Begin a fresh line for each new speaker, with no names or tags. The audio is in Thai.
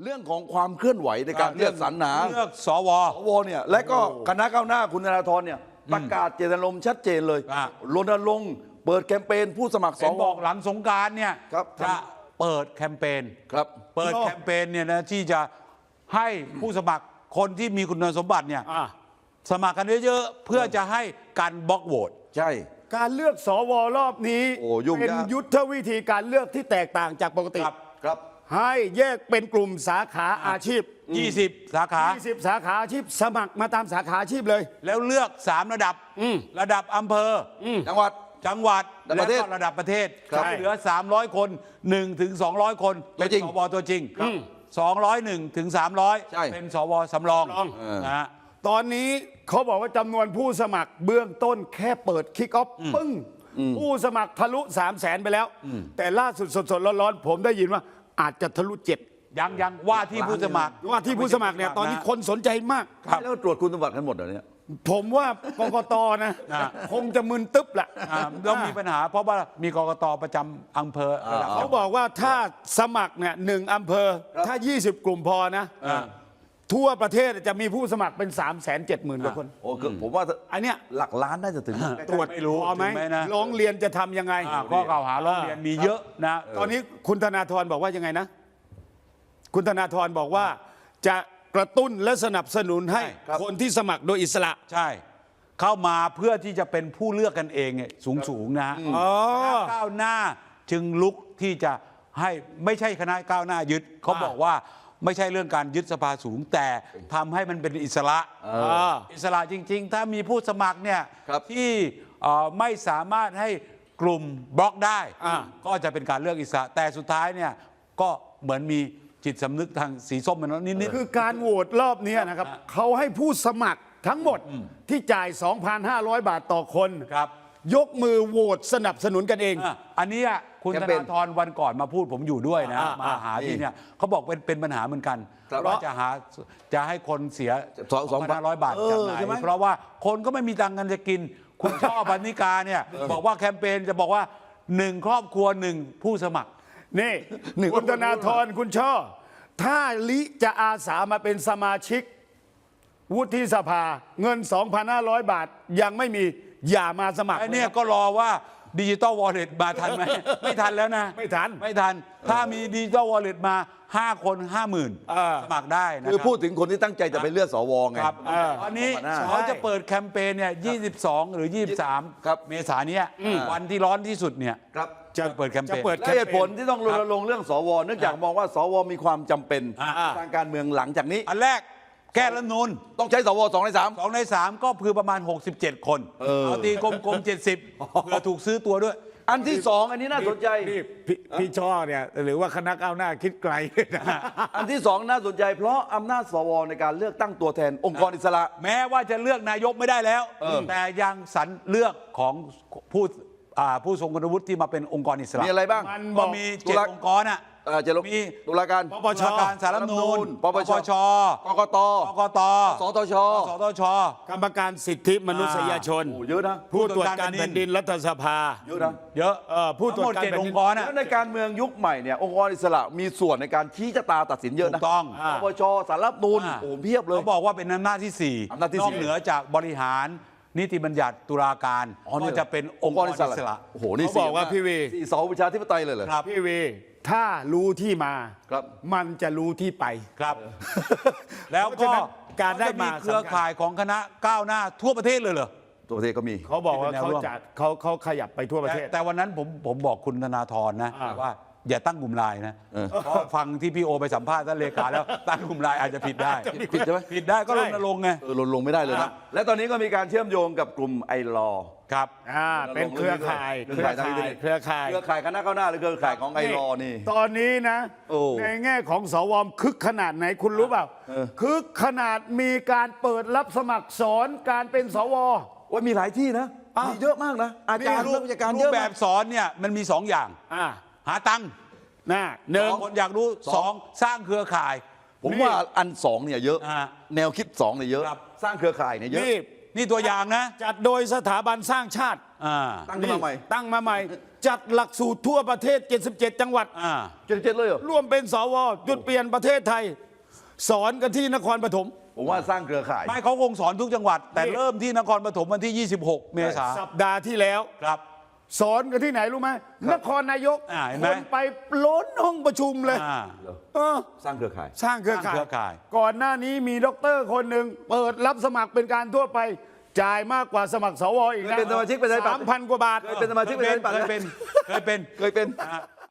เรื่องของความเคลื่อนไหวในการเลือกสรรหา
เลือกสว
เนี่ยและก็คณะก้าวหน้าคุณธนาธรเนี่ยประกาศเจตนารมณ์ชัดเจนเลยรณรงค์เปิดแคมเปญผู้สมัครสว
บอกหลังสงกรานต์เนี่ยจะเปิดแคมเปญ
ครับ
เปิดแคมเปญเนี่ยนะที่จะให้ผู้สมัครคนที่มีคุณสมบัติเนี่ยสมัครกันเยอะๆเพื่อจะให้การบล็อกโหวต
ใช่
การเลือกสวรอบนี้เป็นยุทธวิธีการเลือกที่แตกต่างจากปกติ
ครับ
ให้แยกเป็นกลุ่มสาขาอาชีพ
20 สาขา
20 สาขาอาชีพสมัครมาตามสาขาอาชีพเลย
แล้วเลือก3 ระดับระดับอำเภอ
จังหวัด
และก็ระดับประเทศเหลือ300 คน1 ถึง 200 คนเป็นสวตัวจริง201 ถึง 300เป็นสวสำรองนะ
ตอนนี้เขาบอกว่าจำนวนผู้สมัครเบื้องต้นแค่เปิดคิกออฟปึ้งผู้สมัครทะลุ300,000ไปแล้วแต่ล่าสุดสดๆร้อนๆผมได้ยินว่าอาจจะทะลุ7
ยังว่าที่ผู้สมัคร
เนี่ยตอนนี้คนสนใจมาก
แล้วตรวจคุณสมบัติกันหมดเหรอเนี่ย
ผมว่ากกตนะคงจะมึนตึ๊บแหละ
ต้องมีปัญหาเพราะว่ามีกกตประจำอำเภอ
เขาบอกว่าถ้าสมัครเนี่ย1 อำเภอถ้า20 กลุ่มพอนะทั่วประเทศจะมีผู้สมัครเป็น370,000 กว่าคน
โอ้ผมว่า
อันเนี้ย
หลักล้านน่าจะถึง
ตรวจ
ไม่รู้
พอไหมร้องเรียนจะทำยังไง
ข้อกล่าวหาร้องเรียนมีเยอะนะ
ตอนนี้คุณธนาธรบอกว่ายังไงนะคุณธนาธรบอกว่าจะกระตุ้นและสนับสนุนให้คนที่สมัครโดยอิสระ
ใช่เข้ามาเพื่อที่จะเป็นผู้เลือกกันเองสูงนะก้าวหน้าจึงลุกที่จะให้ไม่ใช่คณะก้าวหน้ายึดเขาบอกว่าไม่ใช่เรื่องการยึดสภาสูงแต่ทำให้มันเป็นอิสระอิสระจริงๆถ้ามีผู้สมัครเนี่ยที่ไม่สามารถให้กลุ่มบล็อกได้ก็จะเป็นการเลือกอิสระแต่สุดท้ายเนี่ยก็เหมือนมีจิตสำนึกทางสีส้มมันนิด
คือการโหวตรอบนี้นะครับเขาให้ผู้สมัครทั้งหมดที่จ่าย 2,500 บาทต่อคนยกมือโหวตสนับสนุนกันเอง
อันนี้คุณธนาธรวันก่อนมาพูดผมอยู่ด้วยนะมาหาที่เนี่ยเขาบอกเป็นปัญหาเหมือนกันว่าจะให้คนเสีย 2,500 บาทจากไหนเพราะว่าคนก็ไม่มีตังค์กันจะกินคุณช่อพันนิกาเนี่ยบอกว่าแคมเปญจะบอกว่า1 ครอบครัว1 ผู้สมัคร
นี่คุณธนาธรคุณช่อถ้าลิจะอาสามาเป็นสมาชิกวุฒิสภาเงิน 2,500 บาทยังไม่มีอย่ามาสมัคร
ไอ้เนี่ยก็รอว่าดิจิตอลวอลเล็ตมาทันไหม ไม่ทันแล้วนะ
ไม่ทัน
ถ้ามีดิจิตอลวอลเล็ตมา5 คน 50,000 สมัครได้นะ
คือพูดถึงคนที่ตั้งใจจะไปเลือกสวไง
ตอนนี้เขาจะเปิดแคมเปญเนี่ย22 หรือ 23 เมษายนนี้วันที่ร้อนที่สุดเนี่ยจะเปิดแคมเปญ
และเหตุผลที่ต้องรณรงค์เรื่องสวเนื่องจากมองว่าสวมีความจำเป็นทางการเมืองหลังจากนี้
อันแรกแก้รัฐธรรมนูญ
ต้องใช้สว2 ใน 3
2 ใน 3ก็คือประมาณ67 คนเอาตีกลมๆ70เพื่อถูกซื้อตัวด้วย
อันที่2อันนี้น่าสนใจ
พี่ช่อเนี่ยหรือว่าคณะก้าวหน้าคิดไกล
อันที่2น่าสนใจเพราะอำนาจสวในการเลือกตั้งตัวแทนองค์กรอิสระ
แม้ว่าจะเลือกนายกไม่ได้แล้วแต่ยังสรรเลือกของผู้ทรงคุณวุฒิที่มาเป็นองค์กรอิสระ
มีอะไรบ้าง
ก็มี7 องค์กร
จะมีตุลาการ
ปปชสารรัฐธรรมนูญปปช
กกตสตช
กรรมการสิทธิมนุษยชน
เยอะนะ
ผู้ตรวจการแผ่นดินรัฐสภา
เยอะนะ
เยอะ
ผู้ตรวจการ
องค์กร
ในการเมืองยุคใหม่เนี่ยองค์กรอิสระมีส่วนในการชี้ชะตาตัดสินเยอะนะ
ถูกต้อง
ปปชสารรัฐธรรมนูญโอ้เพียบเลย
เขาบอกว่าเป็นอำนาจที่4นอกเหนือจากบริหารนิติบัญญัติตุลาการก็จะเป็นองค์กรอิสระ
โอ้โหนี่
เขาบอกว่าพี่วี
เสาประชาธิปไตยเลยเหรอ
ครับพี่วีถ้ารู้ที่มามันจะรู้ที่ไป
ครับแล้วก็
การได้มา
เครือข่ายของคณะก้าวหน้าทั่วประเทศเลยเหรอ
ทั่วประเทศก็มี
เขาบอกว่าเขาขยับไปทั่วประเทศ
แต่วันนั้นผมบอกคุณธนาธรนะว่าอย่าตั้งกลุ่มไลน์นะเพราะฟังที่พี่โอไปสัมภาษณ์ท่านเลขาแล้วตั้งกลุ่มไลน์อาจจะผิดได้
ผิดใช่ไหม
ผิดได้ก็รณรงค์ไง
รณรงค์ไม่ได้เลยนะและตอนนี้ก็มีการเชื่อมโยงกับกลุ่มไอรอ
ครับ
เป็นเครือข่าย
คณะก้าวหน้าหรือเครือข่ายของไอรอนี่
ตอนนี้นะในแง่ของสวคึกขนาดไหนคุณรู้เปล่าคึกขนาดมีการเปิดรับสมัครสอนการเป็นสว
ว่ามีหลายที่นะมีเยอะมากนะอาจารย์
รูปแบบสอนเนี่ยมันมี2 อย่างหาตังค์1คนอยากรู้2สร้างเครือข่าย
ผมว่าอัน2เนี่ยเยอะแนวคิด2เนี่ยเยอะสร้างเครือข่ายเนี่ยเยอะ
นี่ตัวอย่างนะ
จัดโดยสถาบันสร้างชาติ
ตั้งขึ้นมาใหม่
ตั้งมาใหม่ จัดหลักสูตรทั่วประเทศ 77 จังหวัด
77เลยเหรอ
ร่วมเป็นสวจุดเปลี่ยนประเทศไทย สอนกันที่นครปฐม
ผมว่าสร้างเครือข่าย
ไม่เขาคงสอนทุกจังหวัด แต่
นี่
เริ่มที่นครปฐมวันที่ 26 เมษายน
สัปดาห์ที่แล้ว
ครับ
สอนกันที่ไหนรู้ไหมนครนายก
เห็นไหม
คนไปล้นห้องประชุมเลย
อ่า
เออ
สร้างเครือข่าย
สร้างเครือ
สร้างเครือ
ข่า
ข่าย ย
ก่อนหน้านี้มีด็อกเตอร์คนหนึ่งเปิดรับสมัครเป็นการทั่วไป จ่ายมากกว่าสมัครสวอีกนะ
เคยเป็นสมาชิกประชาธิปัตย์
3,000 กว่าบาท
เคยเป็นสมาชิกประชาธิปัตย์
เคยเป็น
เคยเป็น
อ่ะ